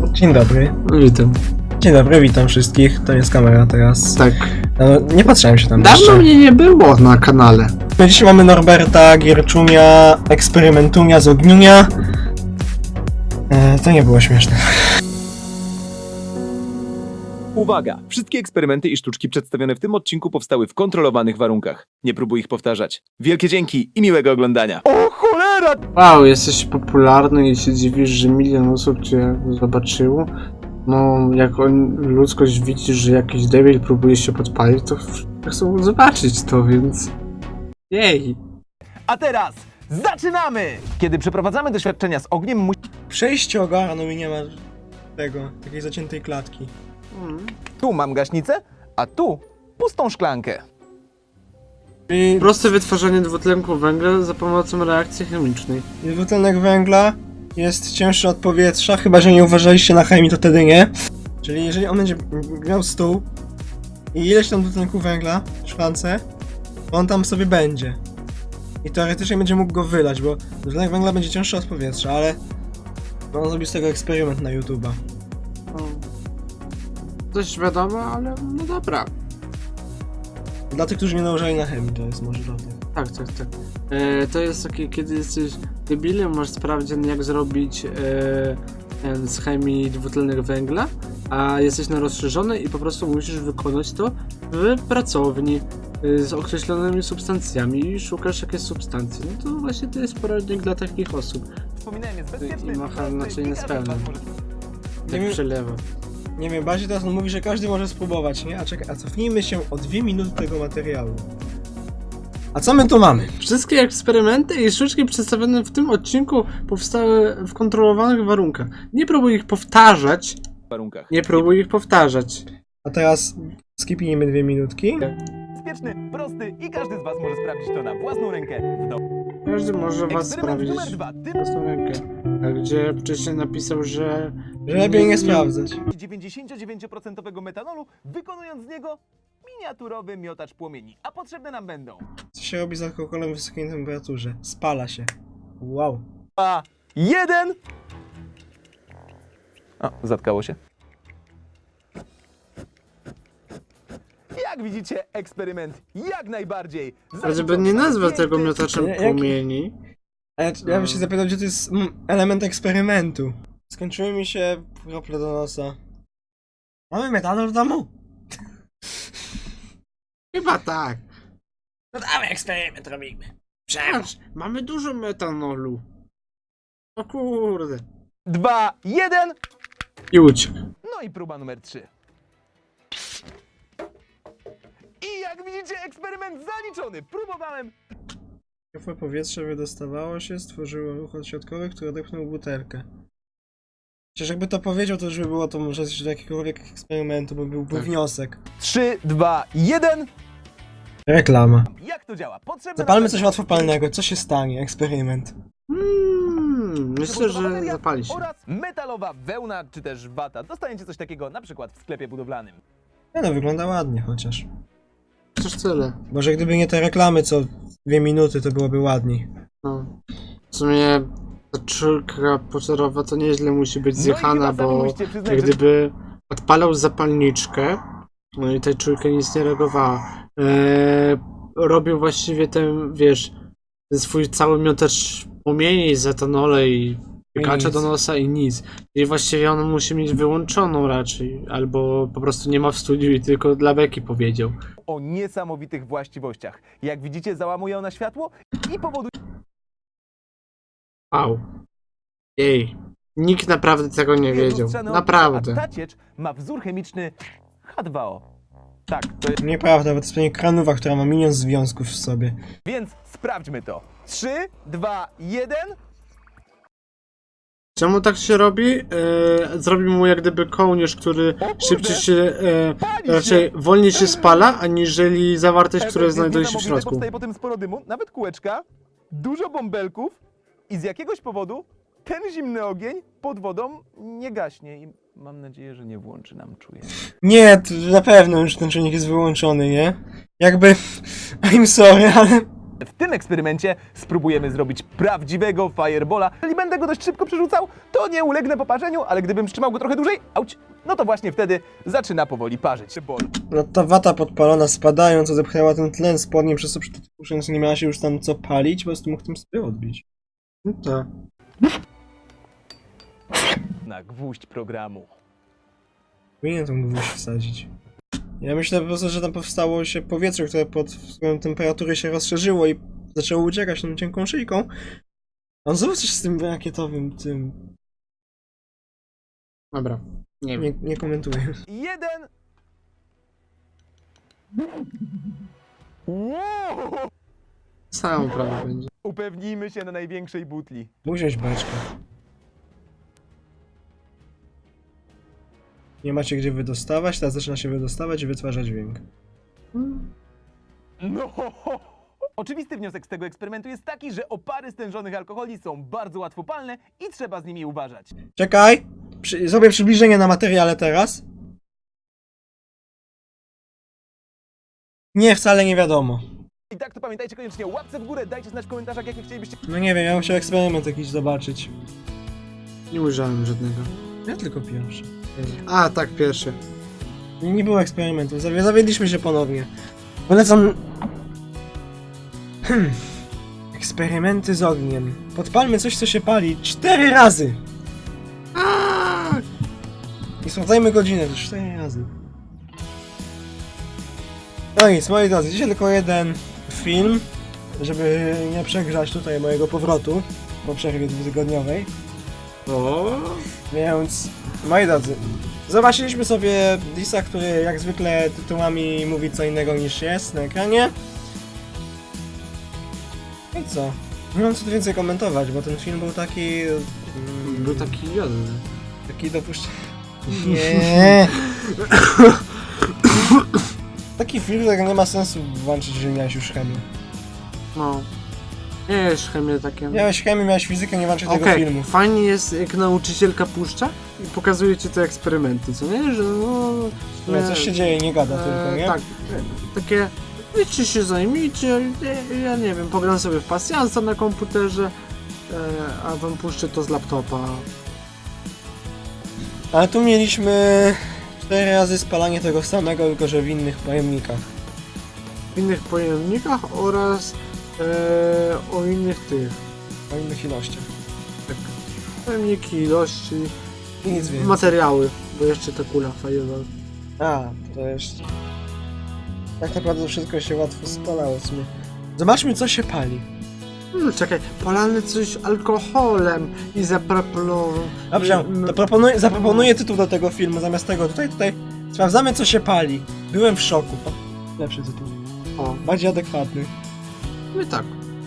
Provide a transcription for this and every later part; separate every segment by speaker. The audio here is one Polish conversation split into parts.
Speaker 1: Dzień dobry.
Speaker 2: No witam.
Speaker 1: Dzień dobry, witam wszystkich. To jest kamera teraz.
Speaker 2: Tak.
Speaker 1: No, nie patrzyłem się tam
Speaker 2: Dawno
Speaker 1: jeszcze.
Speaker 2: mnie nie było na kanale.
Speaker 1: No, dzisiaj mamy Norberta, Gierczunia, Eksperymentunia z Ogniunia. To nie było śmieszne.
Speaker 3: Uwaga! Wszystkie eksperymenty i sztuczki przedstawione w tym odcinku powstały w kontrolowanych warunkach. Nie próbuj ich powtarzać. Wielkie dzięki i miłego oglądania. O cholera!
Speaker 2: Wow, jesteś popularny i się dziwisz, że milion osób cię zobaczyło. No, jak ludzkość widzi, że jakiś debil próbuje się podpalić, to chcą zobaczyć to, więc... Jej!
Speaker 3: A teraz zaczynamy! Kiedy przeprowadzamy doświadczenia z ogniem,
Speaker 1: Przejście ogarnął i nie ma takiej zaciętej klatki.
Speaker 3: tu mam gaśnicę, a tu pustą szklankę.
Speaker 1: I
Speaker 2: Proste wytwarzanie dwutlenku węgla za pomocą reakcji chemicznej.
Speaker 1: dwutlenek węgla jest cięższy od powietrza, chyba że nie uważaliście na chemii, to wtedy nie. Czyli jeżeli on będzie miał stół i ileś tam dwutlenku węgla w szklance, to on tam sobie będzie. I teoretycznie będzie mógł go wylać, bo dwutlenek węgla będzie cięższy od powietrza, ale on zrobił z tego eksperyment na YouTube'a.
Speaker 2: No. Dość wiadomo, ale no dobra.
Speaker 1: Dla tych, którzy nie nałożyli na chemii, to jest może dla tych.
Speaker 2: Tak. To jest takie, kiedy jesteś debilem, masz sprawdzian jak zrobić z chemii dwutlenek węgla, a jesteś na rozszerzony i po prostu musisz wykonać to w pracowni z określonymi substancjami i szukasz jakiejś substancji. No to właśnie to jest poradnik dla takich osób.
Speaker 3: Wspominałem, jest bezpieczny.
Speaker 2: I macha naczynie z pełnym.
Speaker 1: Nie
Speaker 2: Tak
Speaker 1: wiem-
Speaker 2: przelewa.
Speaker 1: Nie wiem, bardziej teraz on mówi, że każdy może spróbować, nie? A cofnijmy się o 2 minuty tego materiału. A co my tu mamy?
Speaker 2: Wszystkie eksperymenty i sztuczki przedstawione w tym odcinku powstały w kontrolowanych warunkach. Nie próbuj ich powtarzać.
Speaker 3: warunkach.
Speaker 2: Nie próbuj ich powtarzać.
Speaker 1: A teraz skipnijmy 2 minutki.
Speaker 3: Bezpieczny, prosty i każdy z was może sprawdzić to na własną rękę w domu.
Speaker 2: Każdy może was
Speaker 3: Eksperyment
Speaker 2: sprawdzić
Speaker 3: numer 2. Tym
Speaker 2: własną rękę. A gdzie wcześniej napisał, że...
Speaker 1: Że lepiej nie sprawdzać.
Speaker 3: 99% metanolu, wykonując z niego miniaturowy miotacz płomieni. A potrzebne nam będą
Speaker 1: Co się robi z alkoholem w wysokiej temperaturze? Spala się. Wow.
Speaker 3: 2, 1. O, zatkało się. Jak widzicie, eksperyment jak najbardziej.
Speaker 2: A żeby nie nazwać tego
Speaker 3: Piękny.
Speaker 2: miotaczem
Speaker 1: Jak-
Speaker 2: płomieni...
Speaker 1: A ja bym się zapytał, gdzie to jest element eksperymentu. Skończyły mi się krople do nosa. Mamy metanol w domu?
Speaker 2: Chyba tak.
Speaker 1: No dawaj eksperyment robimy.
Speaker 2: Patrz, mamy dużo metanolu. O kurde.
Speaker 3: 2, 1.
Speaker 2: I uciekł.
Speaker 3: No i próba numer 3. I jak widzicie, eksperyment zaliczony. Próbowałem.
Speaker 1: Ciepłe powietrze wydostawało się, stworzyło ruch odśrodkowy, który odepchnął butelkę. Przecież jakby to powiedział, to już by było to może do jakiegokolwiek eksperymentu, bo byłby
Speaker 2: Tak.
Speaker 1: wniosek.
Speaker 3: 3, 2, 1.
Speaker 1: Reklama.
Speaker 3: Jak to działa? Potrzebne
Speaker 1: Zapalmy
Speaker 3: nam
Speaker 1: coś łatwopalnego, co się stanie? Eksperyment.
Speaker 2: Myślę, że
Speaker 3: bateria
Speaker 2: zapali się.
Speaker 3: oraz metalowa wełna czy też wata. Dostaniecie coś takiego na przykład w sklepie budowlanym.
Speaker 1: No, wygląda ładnie chociaż.
Speaker 2: Przecież tyle.
Speaker 1: Może gdyby nie te reklamy co 2 minuty, to byłoby ładniej.
Speaker 2: No. W sumie ta czurka pożarowa to nieźle musi być
Speaker 3: No i
Speaker 2: zjechana,
Speaker 3: chyba sami
Speaker 2: bo
Speaker 3: musicie przyznać,
Speaker 2: jak
Speaker 3: że-
Speaker 2: gdyby odpalał zapalniczkę, no i ta czurka nic nie reagowała. Robił właściwie ten, wiesz, ten swój cały miotacz płomieni z etanole i piekacza
Speaker 1: nic.
Speaker 2: do nosa i nic. I właściwie on musi mieć wyłączoną raczej, albo po prostu nie ma w studiu i tylko dla beki powiedział.
Speaker 3: O niesamowitych właściwościach. Jak widzicie, załamuje ona światło i powoduje...
Speaker 2: Wow. Jej. Nikt naprawdę tego nie wiedział.
Speaker 3: lustrzane
Speaker 2: Naprawdę.
Speaker 3: A ta ciecz ma wzór chemiczny H2O. Tak, to jest...
Speaker 1: Nieprawda, bo to jest pewnie kranowa, która ma milion związków w sobie.
Speaker 3: Więc sprawdźmy to. 3, 2, 1.
Speaker 2: Czemu tak się robi? Zrobił mu jak gdyby kołnierz, który szybciej się,
Speaker 3: Pali się!
Speaker 2: raczej wolniej się spala, aniżeli zawartość, która
Speaker 3: Efekt jest
Speaker 2: znajduje się w
Speaker 3: niesamowity,
Speaker 2: środku.
Speaker 3: Powstaje potem sporo dymu, nawet kółeczka, dużo bąbelków i z jakiegoś powodu ten zimny ogień pod wodą nie gaśnie i mam nadzieję, że nie włączy nam czujnik.
Speaker 1: Nie, to na pewno już ten czujnik jest wyłączony, nie? Jakby... I'm sorry, ale...
Speaker 3: W tym eksperymencie spróbujemy zrobić prawdziwego firebola. Jeżeli będę go dość szybko przerzucał, to nie ulegnę poparzeniu, ale gdybym trzymał go trochę dłużej, auć, no to właśnie wtedy zaczyna powoli parzyć.
Speaker 1: No ta wata podpalona spadając, co zepchnęła ten tlen spodnie, przez co przytuszając nie miała się już tam co palić, po prostu mógł tym sobie odbić.
Speaker 2: No tak.
Speaker 3: Na gwóźdź programu.
Speaker 1: Powinien tą gwóźdź wsadzić. Ja myślę po prostu, że tam powstało się powietrze, które pod wpływem temperatury się rozszerzyło i zaczęło uciekać tą cienką szyjką. On znowu coś z tym rakietowym, tym...
Speaker 2: Dobra. Nie wiem.
Speaker 1: Nie komentuję.
Speaker 3: 1. Wow!
Speaker 2: Sam prawie będzie.
Speaker 3: Upewnijmy się na największej butli.
Speaker 1: Usiąść beczkę. Nie macie gdzie wydostawać, teraz zaczyna się wydostawać i wytwarza dźwięk.
Speaker 3: No! Oczywisty wniosek z tego eksperymentu jest taki, że opary stężonych alkoholi są bardzo łatwopalne i trzeba z nimi uważać.
Speaker 1: Czekaj! Zrobię przybliżenie na materiale teraz. Nie, wcale nie wiadomo.
Speaker 3: I tak to pamiętajcie koniecznie o łapce w górę, dajcie znać w komentarzach, jakie chcielibyście...
Speaker 1: No nie wiem, ja bym chciał eksperyment jakiś zobaczyć.
Speaker 2: Nie ujrzałem żadnego.
Speaker 1: Ja tylko pierwszy.
Speaker 2: A, tak, pierwszy.
Speaker 1: Nie było eksperymentu, zawiedliśmy się ponownie. Polecam... Eksperymenty z ogniem. Podpalmy coś, co się pali 4 razy! I sprawdzajmy godzinę, to 4 razy. No nic, moi drodzy, dzisiaj tylko jeden film, żeby nie przegrzać tutaj mojego powrotu po przerwie 2-tygodniowej.
Speaker 2: O.
Speaker 1: Więc, moi drodzy, zobaczyliśmy sobie Disa, który jak zwykle tytułami mówi co innego niż jest na ekranie. I co? Nie mam co tu więcej komentować, bo ten film był taki...
Speaker 2: Był taki jodny.
Speaker 1: Taki Nie. Taki film, którego nie ma sensu włączyć, jeżeli miałeś już chemię.
Speaker 2: No. Nie jest chemię takie.
Speaker 1: Miałeś chemię, miałeś fizykę, nie włączyć tego filmu.
Speaker 2: Fajnie jest, jak nauczycielka puszcza i pokazuje ci te eksperymenty, co nie? Że no...
Speaker 1: No, coś się dzieje, nie gada tylko, nie?
Speaker 2: Tak, takie... Wiecie, się zajmijcie, ja nie wiem, pogram sobie w pasjansa na komputerze, a wam puszczę to z laptopa.
Speaker 1: Ale tu mieliśmy 4 razy spalanie tego samego, tylko że w innych pojemnikach.
Speaker 2: W innych pojemnikach oraz o innych tych,
Speaker 1: O innych ilościach.
Speaker 2: tak, pojemniki, ilości,
Speaker 1: I nic więcej.
Speaker 2: materiały, bo jeszcze ta kula fireball.
Speaker 1: A, to jeszcze... Tak naprawdę wszystko się łatwo spalało w sumie. Zobaczmy, co się pali.
Speaker 2: Czekaj, palamy coś alkoholem i zaproponował.
Speaker 1: Dobrze, to zaproponuję tytuł do tego filmu, zamiast tego tutaj. Sprawdzamy, co się pali. Byłem w szoku. O, lepszy tytuł.
Speaker 2: O,
Speaker 1: Bardziej adekwatny.
Speaker 2: my tak.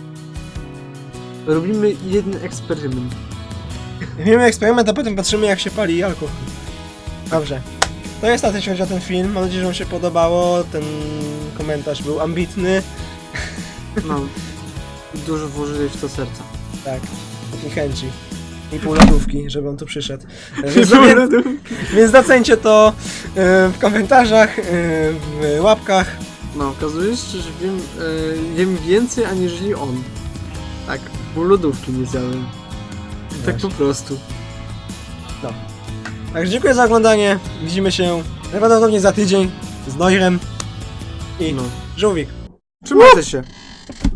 Speaker 2: Robimy jeden eksperyment.
Speaker 1: Robimy eksperyment, a potem patrzymy, jak się pali alkohol. Dobrze. To jest na tyle, jeśli chodzi o ten film. Mam nadzieję, że wam się podobało. Ten komentarz był ambitny.
Speaker 2: No. Dużo włożyli w to serca.
Speaker 1: Tak. I chęci. I pół lodówki, żeby on tu przyszedł. Więc docencie to w komentarzach, w łapkach.
Speaker 2: No, okazuje się, że jem więcej aniżeli on. Tak, bo lodówki nie zjadłem. Tak po prostu.
Speaker 1: Także dziękuję za oglądanie. Widzimy się najprawdopodobniej za tydzień z Noirem i
Speaker 2: No.
Speaker 1: Żółwik.
Speaker 2: Trzymajcie się.